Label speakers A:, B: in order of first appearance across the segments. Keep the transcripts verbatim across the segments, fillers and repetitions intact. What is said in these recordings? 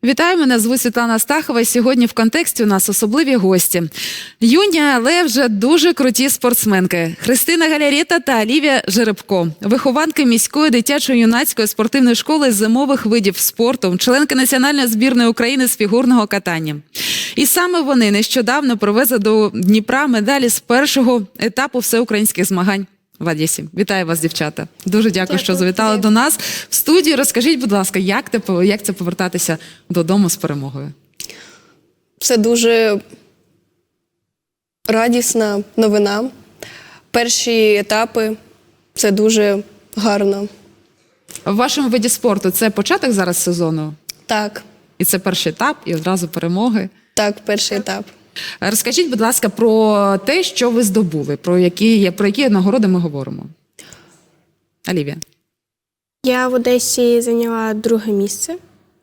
A: Вітаю, мене звуть Світлана Астахова. Сьогодні в контексті у нас особливі гості. Юні, але вже дуже круті спортсменки. Христина Галярета та Олівія Жеребко. Вихованки міської дитячо-юнацької спортивної школи з зимових видів спорту, членки національної збірної України з фігурного катання. І саме вони нещодавно привезли до Дніпра медалі з першого етапу всеукраїнських змагань в Одесі. Вітаю вас, дівчата. Дуже дякую, дякую що завітали до нас в студію. Розкажіть, будь ласка, як, те, як це повертатися додому з перемогою?
B: Це дуже радісна новина. Перші етапи – це дуже гарно.
A: В вашому виді спорту це початок зараз сезону?
B: Так.
A: І це перший етап, і одразу перемоги?
B: Так, перший етап.
A: Розкажіть, будь ласка, про те, що ви здобули, про які, про які нагороди ми говоримо. Олівія.
C: Я в Одесі зайняла друге місце.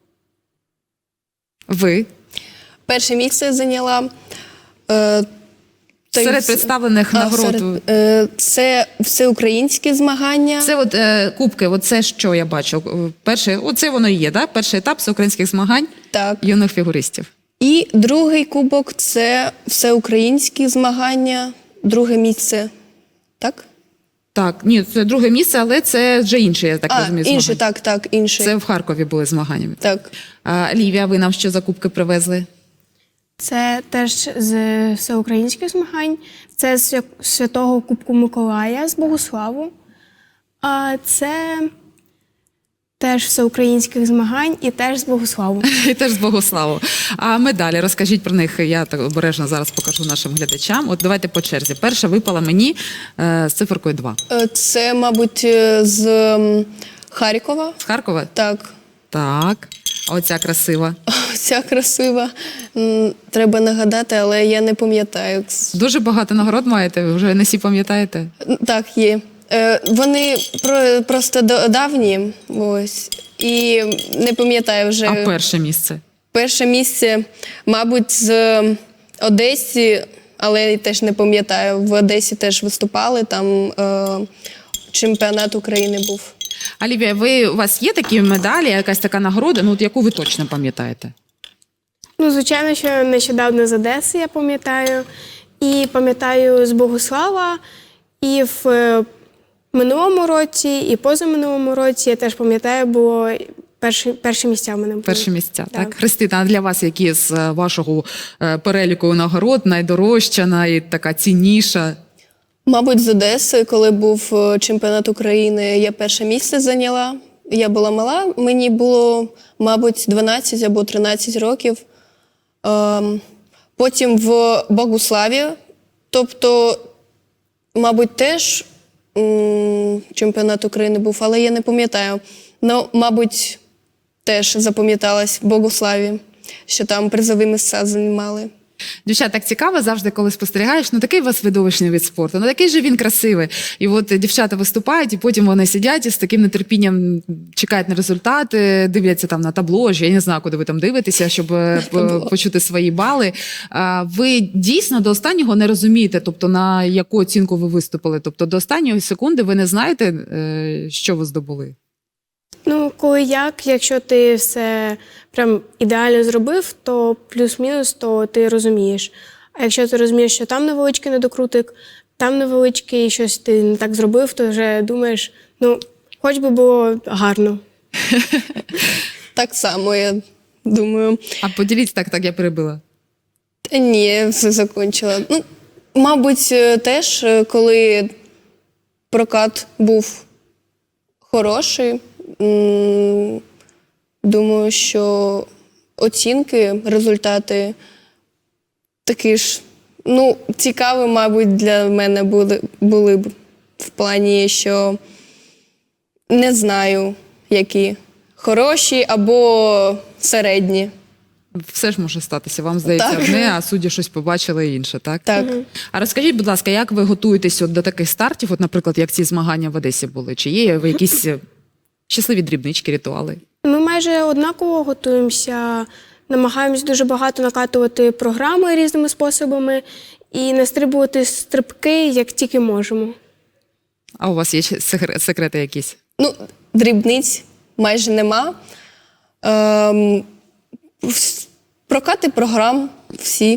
A: Ви?
B: Перше місце зайняла. Е,
A: серед представлених
B: а,
A: нагород?
B: Серед, е, це всеукраїнські змагання.
A: Це от е, кубки, от це що я бачу? Перший, оце воно і є, так? Перший етап всеукраїнських змагань
B: так.
A: юних фігуристів.
B: І другий кубок – це всеукраїнські змагання, друге місце. Так?
A: Так, ні, це друге місце, але це вже інше, я так
B: а,
A: розумію,
B: інше,
A: змагання.
B: так, так, інше.
A: Це в Харкові були змагання.
B: Так.
A: А, Олівія, ви нам що за кубки привезли?
C: Це теж з всеукраїнських змагань. Це з Святого Кубку Миколая з Богуславу. А це теж всеукраїнських змагань і теж з Богуславу.
A: І теж з Богославу. А медалі, розкажіть про них, я так обережно зараз покажу нашим глядачам. От давайте по черзі. Перша випала мені е, з циферкою два.
B: Це, мабуть, з Харкова.
A: З Харкова?
B: Так.
A: Так. А оця красива.
B: Ця красива. Треба нагадати, але я не пам'ятаю.
A: Дуже багато нагород маєте, ви вже не всі пам'ятаєте?
B: Так, є. Вони просто давні, ось, і не пам'ятаю вже.
A: А перше місце?
B: Перше місце, мабуть, з Одесі, але теж не пам'ятаю. В Одесі теж виступали, там е, чемпіонат України був.
A: Олівія, ви, у вас є такі медалі, якась така нагорода, ну, от яку ви точно пам'ятаєте?
C: Ну, звичайно, що нещодавно з Одеси я пам'ятаю. І пам'ятаю з Богуслава, і в минулому році, і позаминулому році, я теж пам'ятаю, було перші, перші місця в мене були.
A: Перші місця, так. так.
C: Так.
A: Христина, а для вас які з вашого переліку нагород найдорожча, найтака цінніша?
B: Мабуть, з Одеси, коли був чемпіонат України, я перше місце зайняла. Я була мала, мені було, мабуть, дванадцять або тринадцять років. Потім в Богуславі, тобто, мабуть, теж чемпіонат України був, але я не пам'ятаю. Ну, мабуть, теж запам'яталась в Богуславі, що там призові місця займали.
A: Дівчат, так цікаво завжди, коли спостерігаєш, ну такий у вас видовищний від спорту, ну такий же він красивий. І от дівчата виступають, і потім вони сидять і з таким нетерпінням чекають на результати, дивляться там на табло, я не знаю, куди ви там дивитеся, щоб почути свої бали. Ви дійсно до останнього не розумієте, тобто на яку оцінку ви виступили? Тобто до останньої секунди ви не знаєте, що ви здобули?
C: Ну, коли як, якщо ти все прям ідеально зробив, то плюс-мінус, то ти розумієш. А якщо ти розумієш, що там невеличкий недокрутик, там невеличкий, щось ти не так зробив, то вже думаєш, ну, хоч би було гарно.
B: Так само, я думаю.
A: А поділіться, так, так, я перебила.
B: Та ні, все закінчила. Ну, мабуть, теж, коли прокат був хороший, думаю, що оцінки, результати такі ж, ну, цікаві, мабуть, для мене були, були б в плані, що не знаю, які хороші або середні.
A: Все ж може статися. Вам здається
B: так.
A: одне, а судді щось побачили інше, так?
B: Так.
C: Угу.
A: А розкажіть, будь ласка, як ви готуєтесь от до таких стартів, от, наприклад, як ці змагання в Одесі були? Чи є ви якісь щасливі дрібнички, ритуали?
C: Ми майже однаково готуємося, намагаємось дуже багато накатувати програми різними способами і настрибувати стрибки, як тільки можемо.
A: А у вас є секрети якісь?
B: Ну, дрібниць майже нема. Ем, Вс- Прокати програм всі.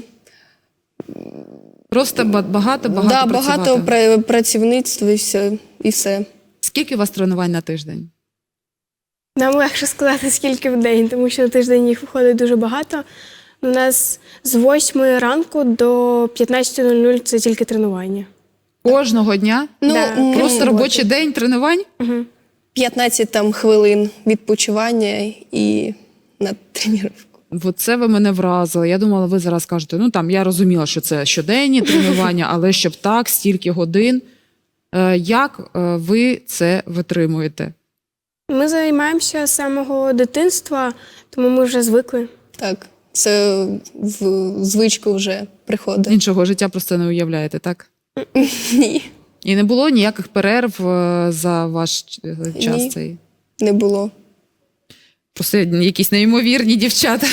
A: Просто ба- багато, багато
B: да,
A: працювати.
B: багато пра- працівництва і все. І все.
A: Скільки у вас тренувань на тиждень?
C: Нам легше сказати, скільки в день, тому що на тиждень їх виходить дуже багато. У нас з восьмої ранку до п'ятнадцятої нуль нуль це тільки тренування.
A: Кожного дня?
B: Ну,
C: Да,
B: м,
C: крім
A: Просто
C: роботи.
A: робочий день тренувань?
B: п'ятнадцять там хвилин відпочивання і на тренування.
A: От це ви мене вразили. Я думала, ви зараз кажете, ну там я розуміла, що це щоденні тренування, але щоб так, стільки годин. Е, Як е, ви це витримуєте?
C: Ми займаємося з самого дитинства, тому ми вже звикли.
B: Так, це в звичку вже приходить.
A: Іншого життя просто не уявляєте, так?
B: Ні,
A: І не було ніяких перерв е, за ваш е, час
B: Ні.
A: цей?
B: не було.
A: Просто якісь неймовірні дівчата.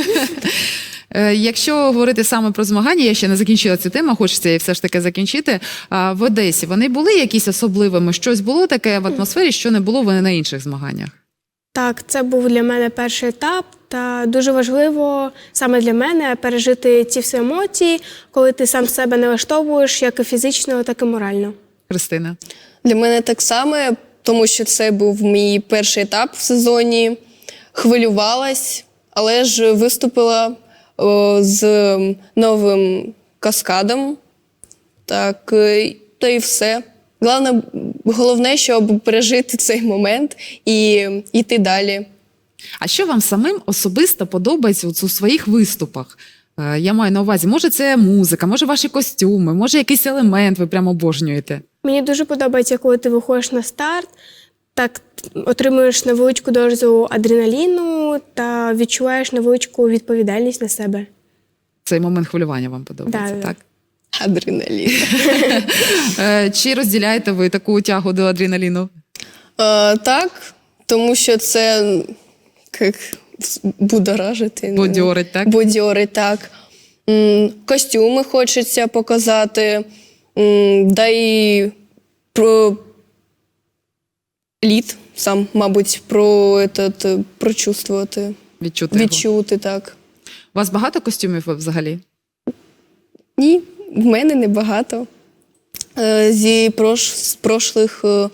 A: Е, Якщо говорити саме про змагання, я ще не закінчила цю тему, хочеться її все ж таки закінчити. А в Одесі вони були якісь особливими? Щось було таке в атмосфері, що не було вони на інших змаганнях?
C: Так, це був для мене перший етап, та дуже важливо саме для мене пережити ці всі емоції, коли ти сам себе налаштовуєш як і фізично, так і морально.
A: Христина?
B: Для мене так само, тому що це був мій перший етап в сезоні. Хвилювалась, але ж виступила о, з новим каскадом. Так, е, та і все. Головне, головне, щоб пережити цей момент і йти далі.
A: А що вам самим особисто подобається от у своїх виступах? Е, Я маю на увазі, може це музика, може ваші костюми, може якийсь елемент ви прямо обожнюєте?
C: Мені дуже подобається, коли ти виходиш на старт, так отримуєш невеличку дозу адреналіну та відчуваєш невеличку відповідальність на себе.
A: Цей момент хвилювання вам подобається,
C: Да, да.
A: так?
B: Адреналін.
A: Е, Чи розділяєте ви таку тягу до адреналіну?
B: Е, так, тому що це як будоражити.
A: Бодьорить, так?
B: Бодьорить, так. М, Костюми хочеться показати, м, да і про лід сам, мабуть, про этот, прочувствувати,
A: Відчути його?
B: відчути, так.
A: У вас багато костюмів взагалі?
B: Ні, в мене небагато. Е, Зі прош, з прошлих е,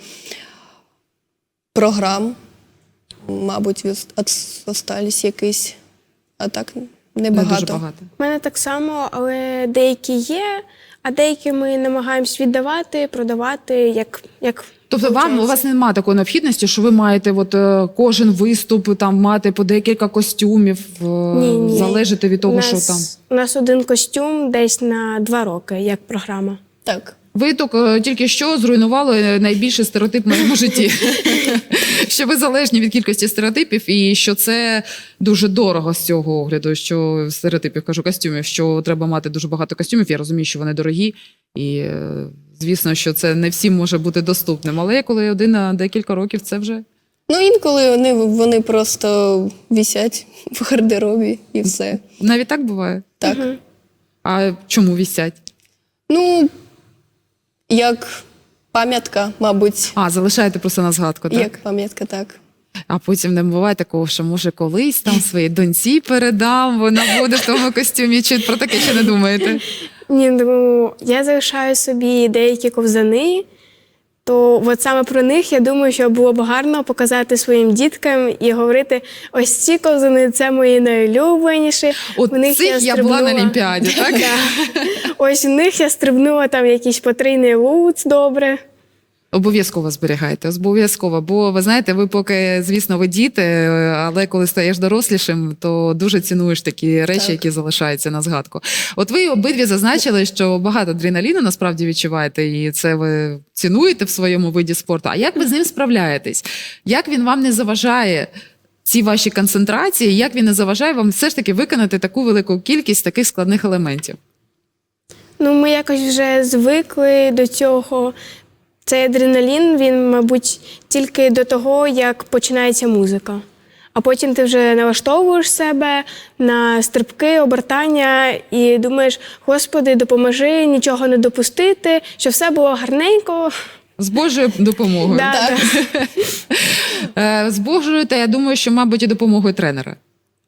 B: програм, мабуть, віс- ос- остались якісь, а так
A: Не
B: небагато.
A: дуже багато.
C: У мене так само, але деякі є, а деякі ми намагаємось віддавати, продавати, як, як
A: Тобто вам, у
C: виходить.
A: вас немає такої необхідності, що ви маєте от, е, кожен виступ там мати по декілька костюмів, е,
C: Ні, ні.
A: залежати від того,
C: у нас,
A: що там.
C: У нас один костюм десь на два роки, як програма.
B: Так.
A: Ви тільки, тільки що зруйнували найбільший стереотип в моєму житті. Що ви залежні від кількості стереотипів, і що це дуже дорого з цього огляду, що стереотипів, кажу, костюмів, що треба мати дуже багато костюмів. Я розумію, що вони дорогі, і е, звісно, що це не всім може бути доступним. Але коли один на декілька років, це вже
B: Ну, інколи вони, вони просто висять в гардеробі і все.
A: навіть так буває.
B: Так.
A: А чому вісять?
B: Ну, як пам'ятка, мабуть.
A: А, залишаєте просто на згадку, так?
B: Як пам'ятка, так.
A: А потім не буває такого, що може колись там своїй доньці передам, вона буде в тому костюмі. Чи про таке ще не думаєте?
C: Ні, ну я залишаю собі деякі ковзани, то от саме про них я думаю, що було б гарно показати своїм діткам і говорити: ось ці ковзани це мої найулюбленіші.
A: От
C: В них
A: цих я була на
C: стрибнула-
A: Олімпіаді, так?
C: Да. Ось у них я стрибнула там якийсь потрійний луц, добре.
A: Обов'язково зберігайте, обов'язково. Бо ви знаєте, ви поки, звісно, ви діти, але коли стаєш дорослішим, то дуже цінуєш такі речі,
B: Так.
A: які залишаються на згадку. От ви обидві зазначили, що багато адреналіну насправді відчуваєте, і це ви цінуєте в своєму виді спорту. А як ви з ним справляєтесь? Як він вам не заважає? Ці ваші концентрації, як він не заважає вам все ж таки виконати таку велику кількість таких складних елементів?
C: Ну, ми якось вже звикли до цього. Цей адреналін, він, мабуть, тільки до того, як починається музика. А потім ти вже налаштовуєш себе на стрибки, обертання і думаєш: Господи, допоможи нічого не допустити, щоб все було гарненько.
A: З Божою допомогою.
C: Да,
B: Так.
C: да.
A: Е, З Божою, та я думаю, що, мабуть, і допомогою тренера.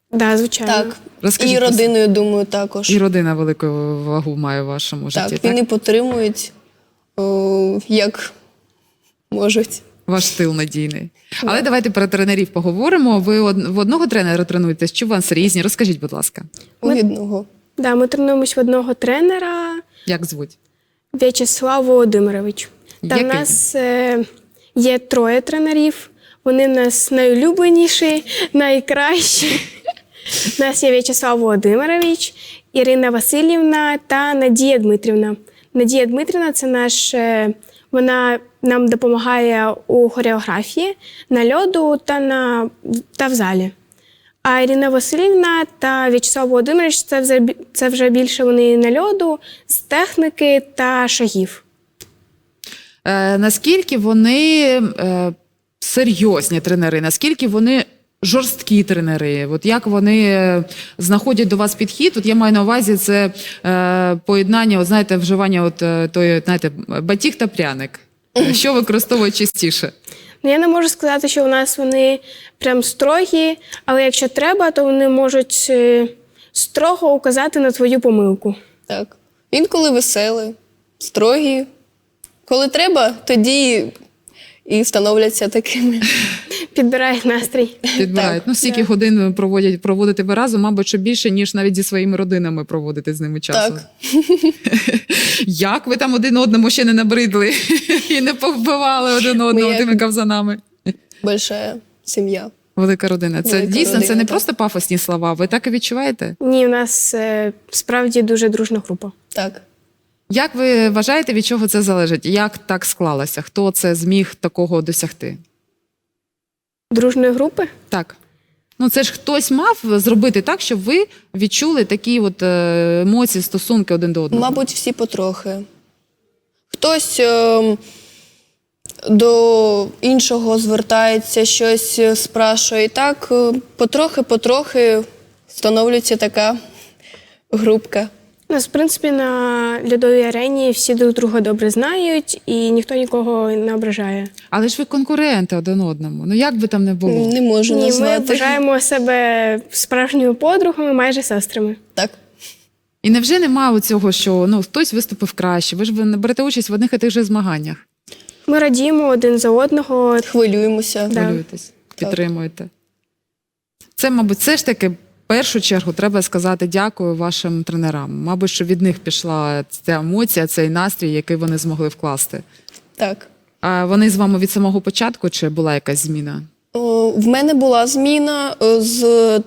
C: Да, звичайно.
B: Так.
A: Розкажіть
B: І
A: про себе.
B: родиною, думаю, також.
A: І родина велику вагу має в вашому
B: Так,
A: житті, так?
B: вони підтримують, о, як можуть.
A: Ваш тил надійний. Але давайте про тренерів поговоримо. Ви од- в одного тренера тренуєтесь, чи у вас різні? Розкажіть, будь ласка,
B: У одного.
C: Да, ми тренуємось в одного тренера
A: як звуть?
C: В'ячеслав Володимирович. Та в
A: Який
C: нас е, є троє тренерів. Вони в нас найулюбленіші, найкращі. У нас є В'ячеслав Володимирович, Ірина Васильівна та Надія Дмитрівна. Надія Дмитрівна це наш, е, вона нам допомагає у хореографії, на льоду та, на, та в залі. А Ірина Васильівна та В'ячеслав Володимирович це вже, бі- це вже більше вони на льоду, з техніки та шагів.
A: Е, наскільки вони е, серйозні тренери, наскільки вони жорсткі тренери? От як вони е, знаходять до вас підхід? От я маю на увазі це е, поєднання, от, знаєте, вживання от, е, тої, знаєте, батіг та пряник. Е, Що використовують частіше?
C: Ну, я не можу сказати, що у нас вони прям строгі, але якщо треба, то вони можуть е, строго указати на твою помилку.
B: Так. Інколи веселі, строгі. Коли треба, тоді і становляться такими.
C: Підбирають настрій.
A: Підбирають.
B: Так,
A: Ну, стільки годин проводять, проводити ви разом, мабуть, що більше, ніж навіть зі своїми родинами проводити з ними часу.
B: Так.
A: Як ви там один одному ще не набридли і не повбивали один одного
B: як-
A: тими ковзанами?
B: Большая сім'я.
A: Велика родина. Це
B: Велика
A: дійсно, це
B: родина,
A: не
B: так.
A: просто пафосні слова. Ви так і відчуваєте?
C: Ні, у нас е, справді дуже дружна група.
B: Так.
A: Як ви вважаєте, від чого це залежить? Як так склалося? Хто це зміг такого досягти?
C: Дружної групи?
A: Так. Ну, це ж хтось мав зробити так, щоб ви відчули такі от е, емоції, стосунки один до одного.
B: Мабуть, всі потрохи. Хтось ем, до іншого звертається, щось спрашує. І так е, потрохи-потрохи становлюється така групка.
C: У нас, в принципі, на льодовій арені всі друг друга добре знають і ніхто нікого не ображає.
A: Але ж ви конкуренти один одному. Ну як би там не було?
B: Не можу
C: Ні, ми
B: назвати.
C: вважаємо себе справжніми подругами, майже сестрами.
B: Так.
A: І невже немає цього, що ну хтось виступив краще? Ви ж ви не берете участь в одних і тих же змаганнях.
C: Ми радіємо один за одного.
B: Хвилюємося.
C: Да.
A: Хвилюєтесь, підтримуєте. Це, мабуть, все ж таки в першу чергу треба сказати дякую вашим тренерам. Мабуть, що від них пішла ця емоція, цей настрій, який вони змогли вкласти.
B: Так.
A: А вони з вами від самого початку чи була якась зміна?
B: О, в мене була зміна е, з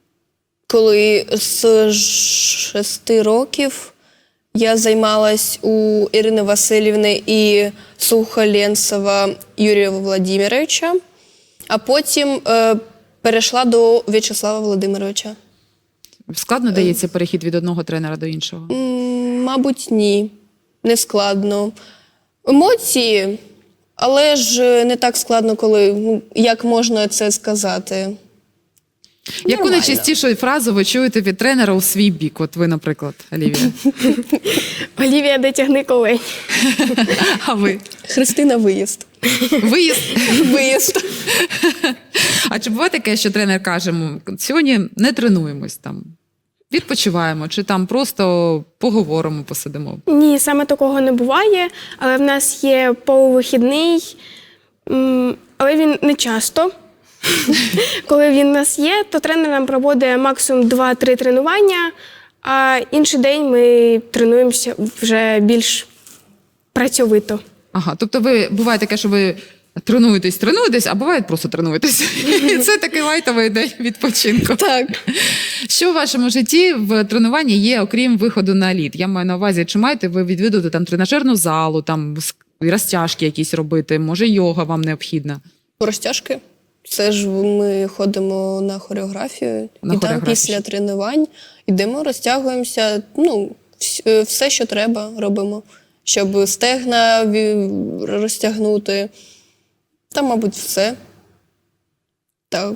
B: коли з шести років я займалась у Ірини Васильівни і Сухоленцева Юрія Володимировича, а потім е, перейшла до В'ячеслава Володимировича.
A: Складно дається перехід від одного тренера до іншого?
B: М, Мабуть, ні. Не складно. Емоції, але ж не так складно, коли ну, як можна це сказати.
A: Яку
B: Нормально.
A: найчастішу фразу ви чуєте від тренера у свій бік? От ви, наприклад, Олівія.
C: Олівія, де тягни колень.
A: А ви?
B: Христина, виїзд.
A: Виїзд.
B: Виїзд.
A: А чи буває таке, що тренер каже, «М, сьогодні не тренуємось там, відпочиваємо, чи там просто поговоримо, посидимо?
C: Ні, саме такого не буває, але в нас є полувихідний, м, але він не часто. Коли він у нас є, то тренер нам проводить максимум два-три тренування, а інший день ми тренуємося вже більш працьовито.
A: Ага, тобто ви буває таке, що ви тренуєтесь, тренуєтесь, а буває просто тренуєтесь. І це такий лайтовий день відпочинку.
B: Так.
A: Що в вашому житті в тренуванні є, окрім виходу на лід? Я маю на увазі, чи маєте ви відвідувати там тренажерну залу, там ск- розтяжки якісь робити, може йога вам необхідна?
B: Розтяжки. Це ж ми ходимо на хореографію,
A: На
B: і там
A: хореографію.
B: після тренувань йдемо, розтягуємося. Ну, вс- е, все, що треба, робимо, щоб стегна ві- розтягнути. Та, мабуть, все. Так.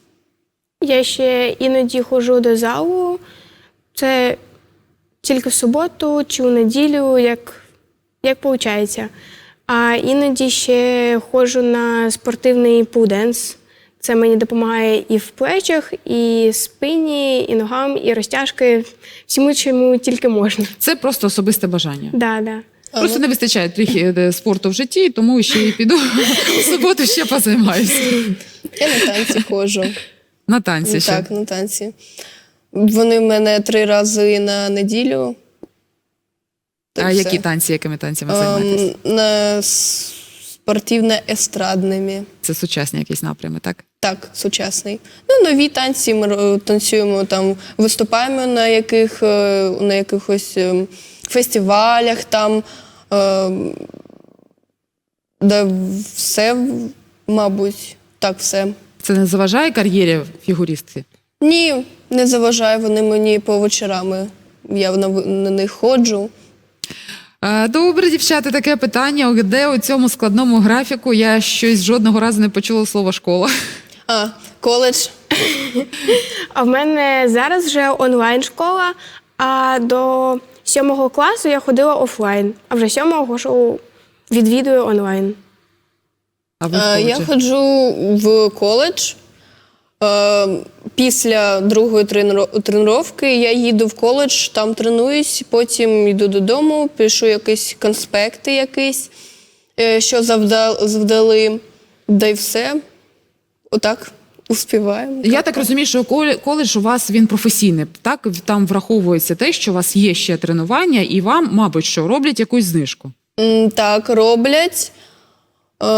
C: Я ще іноді ходжу до залу. Це тільки в суботу чи у неділю, як, як виходить. А іноді ще ходжу на спортивний пуденс. Це мені допомагає і в плечах, і спині, і ногам, і розтяжки, всьому, чому тільки можна.
A: Це просто особисте бажання.
C: Да, да.
A: Просто не вистачає трохи е, спорту в житті, тому ще й піду у суботу ще позаймаюся.
B: Я на танці ходжу.
A: На танці ще.
B: Так, на танці. Вони в мене три рази на неділю.
A: А
B: Так,
A: які
B: все.
A: танці, якими танцями займаєтесь?
B: Ем, на спортивно-естрадними.
A: Це сучасні якісь напрями, так?
B: Так, сучасний. Ну, нові танці ми ро- танцюємо там, виступаємо на яких е, на якихось ем, фестивалях там. Ем, да, все, мабуть, так, все.
A: Це не заважає кар'єрі фігуристки?
B: Ні, не заважає, вони мені по вечорами. Я на, на них ходжу.
A: Е, Добре, дівчата, таке питання, де у цьому складному графіку я щось жодного разу не почула слово «школа».
B: А, коледж.
C: А в мене зараз вже онлайн-школа, а до сьомого класу я ходила офлайн, а вже сьомого ходжу, відвідую онлайн.
A: А ви в
B: Е, Я
A: коледжі?
B: ходжу в коледж. Е, Після другої тренро- тренування я їду в коледж, там тренуюсь, потім йду додому, пишу якісь конспекти, якісь, е, що завда- завдали, да й все. Отак успіваємо.
A: Я так розумію, що коле- коледж у вас він професійний, так? Там враховується те, що у вас є ще тренування, і вам, мабуть, що роблять якусь знижку.
B: М, Так, роблять. Е,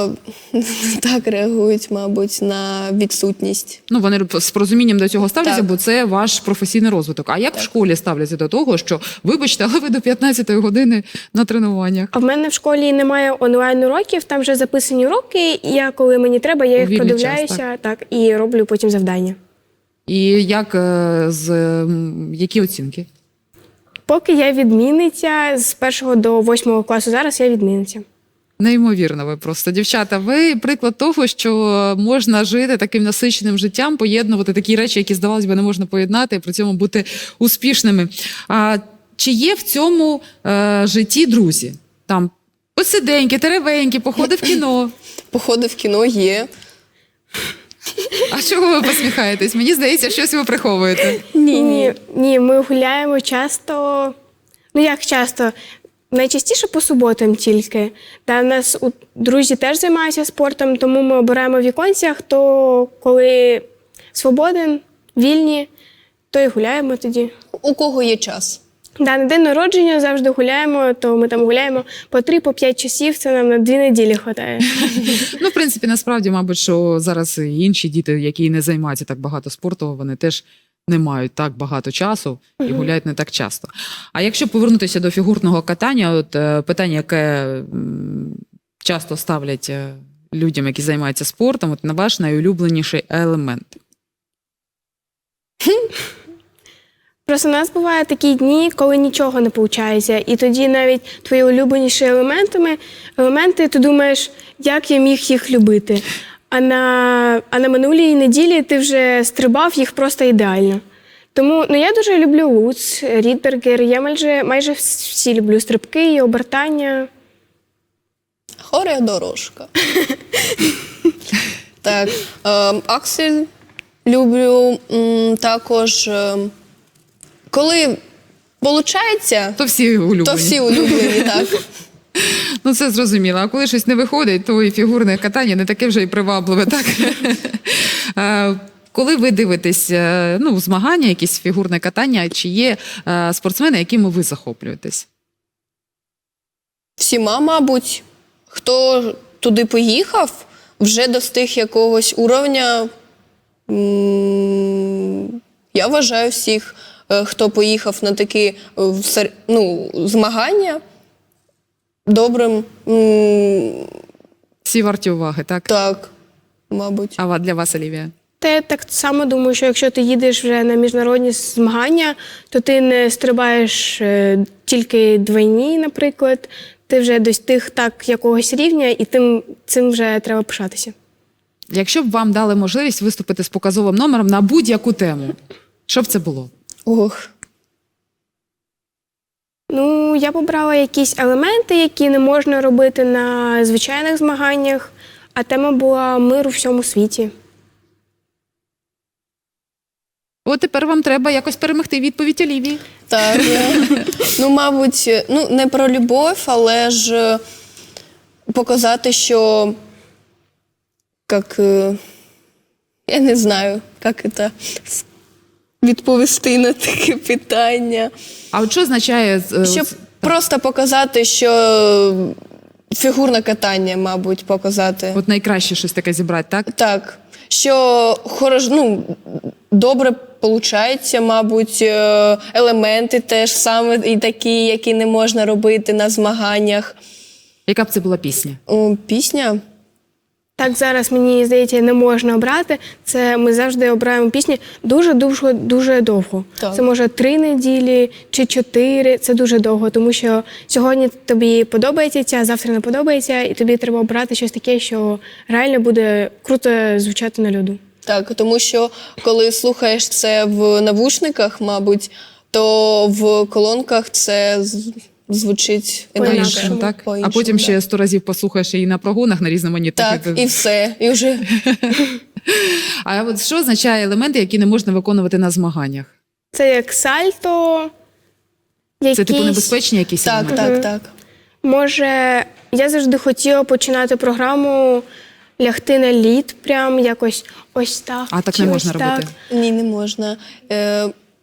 B: Так реагують, мабуть, на відсутність.
A: Ну, вони з порозумінням до цього ставляться,
B: Так.
A: бо це ваш професійний розвиток. А як в школі ставляться до того, що, вибачте, але ви до п'ятнадцятої години на тренуваннях?
C: А в мене в школі немає онлайн-уроків, там вже записані уроки, і я, коли мені треба, я
A: У
C: їх
A: вільний
C: продивляюся
A: час,
C: так, і роблю потім завдання.
A: І як е, з м, які оцінки?
C: Поки я відмінниця з першого до восьмого класу, зараз я відмінниця.
A: Неймовірно, ви просто дівчата. Ви приклад того, що можна жити таким насиченим життям, поєднувати такі речі, які здавалось би не можна поєднати, і при цьому бути успішними. А чи є в цьому е, житті друзі? Там посиденьки, теревеньки, походи в кіно.
B: Походи в кіно є.
A: А чого ви посміхаєтесь? Мені здається, щось ви приховуєте.
C: Ні, ні, ні, ми гуляємо часто. Ну як часто? Найчастіше по суботам тільки. Та в нас у друзі теж займаються спортом, тому ми обираємо в віконцях, хто коли свободен, вільні, то і гуляємо тоді.
B: У кого є час?
C: Да, на день народження завжди гуляємо, то ми там гуляємо по три, по п'ять часів, це нам на дві неділі вистачає.
A: Ну, в принципі, насправді, мабуть, що зараз і інші діти, які не займаються так багато спорту, вони теж не мають так багато часу і гуляють не так часто. А якщо повернутися до фігурного катання, от е, питання, яке м, часто ставлять е, людям, які займаються спортом, от на ваш найулюбленіший елемент.
C: Просто у нас бувають такі дні, коли нічого не виходить, і тоді навіть твої улюбленіші елементами, елементи, ти думаєш, як я міг їх любити. А на, а на минулій неділі ти вже стрибав їх просто ідеально. Тому ну, я дуже люблю Луц, Рідбергер, я майже, майже всі люблю стрибки і обертання.
B: Хореодорожка. Так. ем, Аксель люблю. м, Також, ем, коли виходить,
A: То всі улюблені.
B: то всі улюблені, так.
A: Ну, це зрозуміло. А коли щось не виходить, то і фігурне катання не таке вже й привабливе, так? Е, Коли ви дивитесь е, ну, змагання, якісь фігурне катання, чи є е, спортсмени, якими ви захоплюєтесь?
B: Всіма, мабуть, хто туди поїхав, вже достиг якогось уровня. М, Я вважаю всіх, е, хто поїхав на такі е, в сер- ну, змагання, добрим. М,
A: Всі варті уваги, так?
B: Так, мабуть.
A: А ва- для вас, Олівія?
C: Та я так само думаю, що якщо ти їдеш вже на міжнародні змагання, то ти не стрибаєш е, тільки двойні, наприклад, ти вже достиг так якогось рівня, і тим, цим вже треба пишатися.
A: Якщо б вам дали можливість виступити з показовим номером на будь-яку тему, що б це було?
B: Ох.
C: Ну, я б обрала якісь елементи, які не можна робити на звичайних змаганнях, а тема була мир у всьому світі.
A: От тепер вам треба якось перемогти відповідь Олівії.
B: Так, е, ну, мабуть, ну, не про любов, але ж е, показати, що, як, е, я не знаю, як це с- відповісти на таке питання.
A: А от що означає... е,
B: Щоб
A: ось-
B: просто показати, що фігурне катання, мабуть, показати.
A: От найкраще щось таке зібрати, так?
B: Так, що хорош, ну, добре виходить, мабуть, е, елементи теж саме і такі, які не можна робити на змаганнях.
A: Яка б це була пісня?
B: О, пісня?
C: Так зараз, мені здається, не можна обрати. Це ми завжди обираємо пісні дуже-дуже дуже довго.
B: Так.
C: Це може три неділі чи чотири. Це дуже довго, тому що сьогодні тобі подобається ця, завтра не подобається, і тобі треба обрати щось таке, що реально буде круто звучати на люду.
B: Так, тому що коли слухаєш це в навушниках, мабуть, то в колонках це з- звучить
C: По-іншому,
B: інакше.
A: По-іншому, так? А
B: По-іншому,
A: потім
B: да.
A: ще сто разів послухаєш її на прогонах на різноманітних.
B: Так, і все. І вже
A: А от що означає елементи, які не можна виконувати на змаганнях?
C: Це як сальто, якісь...
A: Це типу небезпечні якісь
B: так,
A: елементи?
B: так, так.
C: Може, я завжди хотіла починати програму лягти на лід, прям якось ось так.
A: А так
C: чи
A: не
C: ось
A: можна
C: так.
A: робити?
B: Ні, не можна. Е,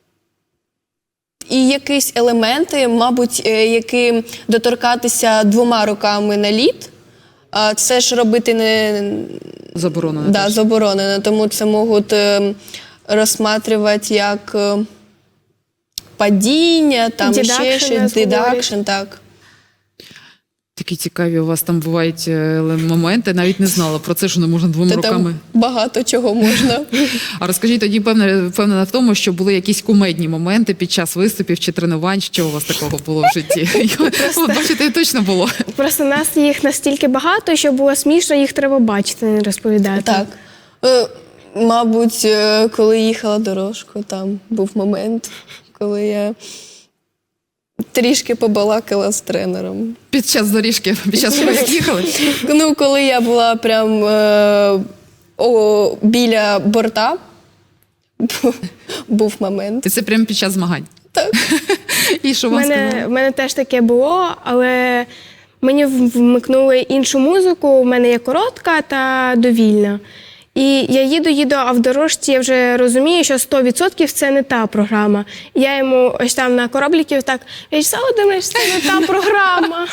B: і якісь елементи, мабуть, е, які доторкатися двома руками на лід, а це ж робити не
A: Заборонено.
B: да,
A: теж.
B: заборонено, тому це можуть е, розсматривати як е, падіння, там ще
C: Дедакшн
B: щось,
C: нас
B: дедакшн, так.
A: Такі цікаві у вас там бувають е, моменти. Навіть не знала про це, що не можна двома
B: Та
A: руками.
B: там багато чого можна.
A: А розкажіть тоді, певне, впевнена в тому, що були якісь кумедні моменти під час виступів чи тренувань. Що у вас такого було в житті? От, бачите, точно було.
C: Просто нас їх настільки багато, що було смішно, їх треба бачити, не розповідати.
B: Так. Е, Мабуть, е, коли їхала дорожку, там був момент, коли я трішки побалакала з тренером.
A: Під час доріжки, під час того, як їхали.
B: Ну, коли я була прям е, о, біля борта, бу- був момент.
A: І це прямо під час змагань.
B: Так.
A: І що
C: У
A: вам
C: мене,
A: сказали?
C: в мене теж таке було, але мені в- вмикнули іншу музику, у мене є коротка та довільна. І я їду, їду, а в дорожці я вже розумію, що сто відсотків це не та програма. І я йому ось там на корабліків так, Вячеслав Володимирович, це не та програма.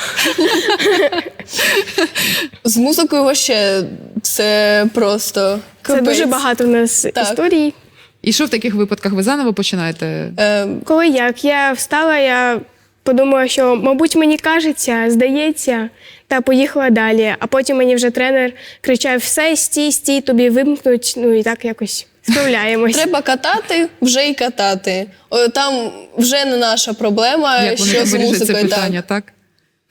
B: З музикою вообще це просто
C: Це
B: капець.
C: дуже багато в нас
B: Так.
C: історій.
A: І що в таких випадках ви заново починаєте?
B: Е,
C: Коли як я встала, я подумала, що, мабуть, мені кажеться, здається, та поїхала далі. А потім мені вже тренер кричав: все, стій, стій, тобі вимкнуть. Ну і так якось справляємось.
B: Треба катати, вже і катати. О, там вже не наша проблема,
A: Як вони
B: що
A: там
B: з
A: вирішать це
B: музикою.
A: питання,
B: Так.
A: так?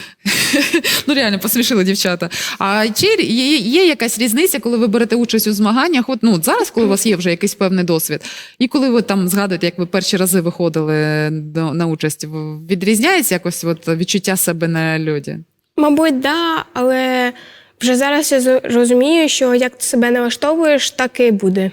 A: Ну, реально, посмішили дівчата. А чи є, є якась різниця, коли ви берете участь у змаганнях? От, ну, от зараз, коли у вас є вже якийсь певний досвід, і коли ви там згадуєте, як ви перші рази виходили до, на участь, в- відрізняється якось от, відчуття себе на льоді?
C: Мабуть, да, але вже зараз я з- розумію, що як ти себе налаштовуєш, так і буде.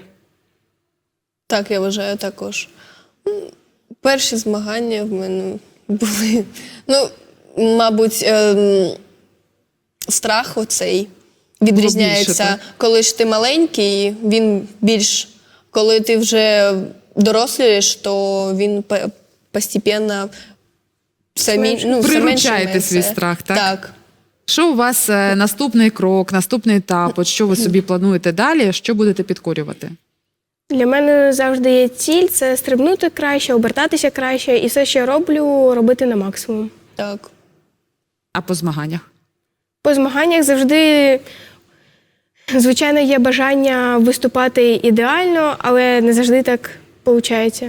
B: Так, я вважаю також. М, Перші змагання в мене були. Ну, мабуть, ем, страх оцей відрізняється.
A: так?
B: Коли ж ти маленький, він більш. Коли ти вже дорослієш, то він по- постепенно все, мі- ну, все менше і
A: Приручаєте
B: менше.
A: свій страх, так?
B: Так.
A: Що у вас е, наступний крок, наступний етап? От що ви собі плануєте далі? Що будете підкорювати?
C: Для мене завжди є ціль – це стрибнути краще, обертатися краще, і все, що я роблю, робити на максимум.
B: Так.
A: А по змаганнях?
C: По змаганнях завжди, звичайно, є бажання виступати ідеально, але не завжди так виходить.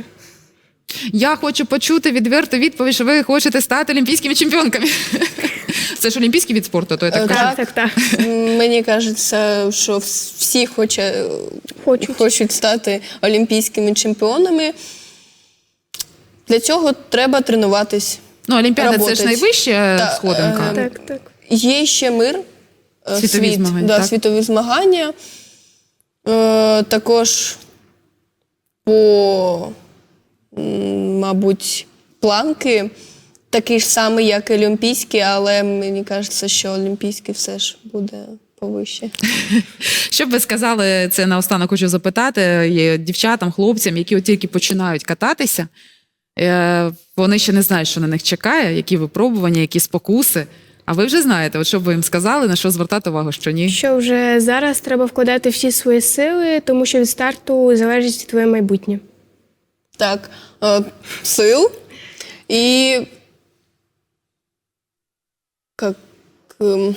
A: Я хочу почути відверту відповідь, що ви хочете стати олімпійськими чемпіонками. Це ж олімпійський від спорту, то я так
B: Е,
A: кажу.
C: Так, так, так.
B: М, Мені кажеться, що вс- всі хоче,
C: Хочуть.
B: хочуть стати олімпійськими чемпіонами. Для цього треба тренуватись.
A: Ну, Олімпіада це ж
B: Работать.
A: найвища
B: Та,
A: сходинка.
B: е,
C: Так, так.
B: Є ще мир, е,
A: Світові
B: світ,
A: змагання,
B: да,
A: так?
B: світові змагання. Е, також по, м, мабуть, планки такий ж самий, як і олімпійський, але мені кажеться, що олімпійський все ж буде повище.
A: Що б ви сказали, це наостанок хочу запитати є дівчатам, хлопцям, які от тільки починають кататися, е, вони ще не знають, що на них чекає, які випробування, які спокуси. А ви вже знаєте, от що б ви їм сказали, на що звертати увагу, що ні?
C: Що вже зараз треба вкладати всі свої сили, тому що від старту залежить твоє майбутнє.
B: Так, е, сил і як ем,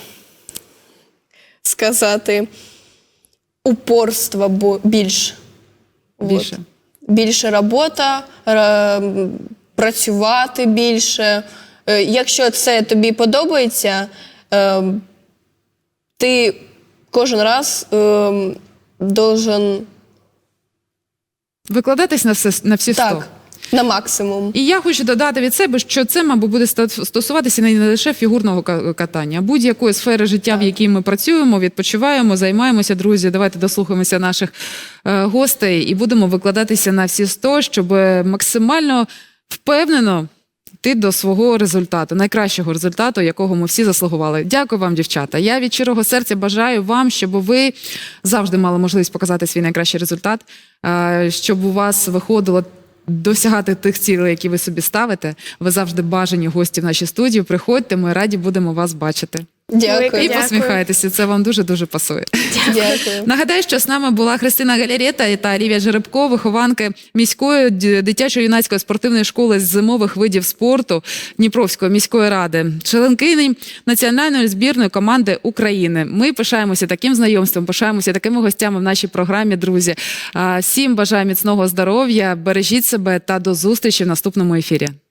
B: сказати, упорства бо- більш.
A: Більше.
B: От. Більше робота, ра- працювати більше. Е, Якщо це тобі подобається, е, ти кожен раз е, должен
A: Викладатись на, все, на всі сто.
B: так, на максимум.
A: І я хочу додати від себе, що це, мабуть, буде ста- стосуватися не лише фігурного ка- катання, а будь-якої сфери життя, в якій ми працюємо, відпочиваємо, займаємося, друзі. Давайте дослухаємося наших е, гостей і будемо викладатися на всі сто, щоб максимально впевнено йти до свого результату, найкращого результату, якого ми всі заслугували. Дякую вам, дівчата. Я від щирого серця бажаю вам, щоб ви завжди мали можливість показати свій найкращий результат, е, щоб у вас виходило досягати тих цілей, які ви собі ставите. Ви завжди бажані гості в нашій студії. Приходьте, ми раді будемо вас бачити.
B: Дякую.
A: І
C: Дякую.
A: посміхайтеся, це вам дуже-дуже пасує.
B: Дякую.
A: Нагадаю, що з нами була Христина Галярета та Олівія Жеребко, вихованки міської д- дитячо-юнацької спортивної школи з зимових видів спорту Дніпровської міської ради, членкині національної збірної команди України. Ми пишаємося таким знайомством, пишаємося такими гостями в нашій програмі, друзі. А, Всім бажаю міцного здоров'я, бережіть себе та до зустрічі в наступному ефірі.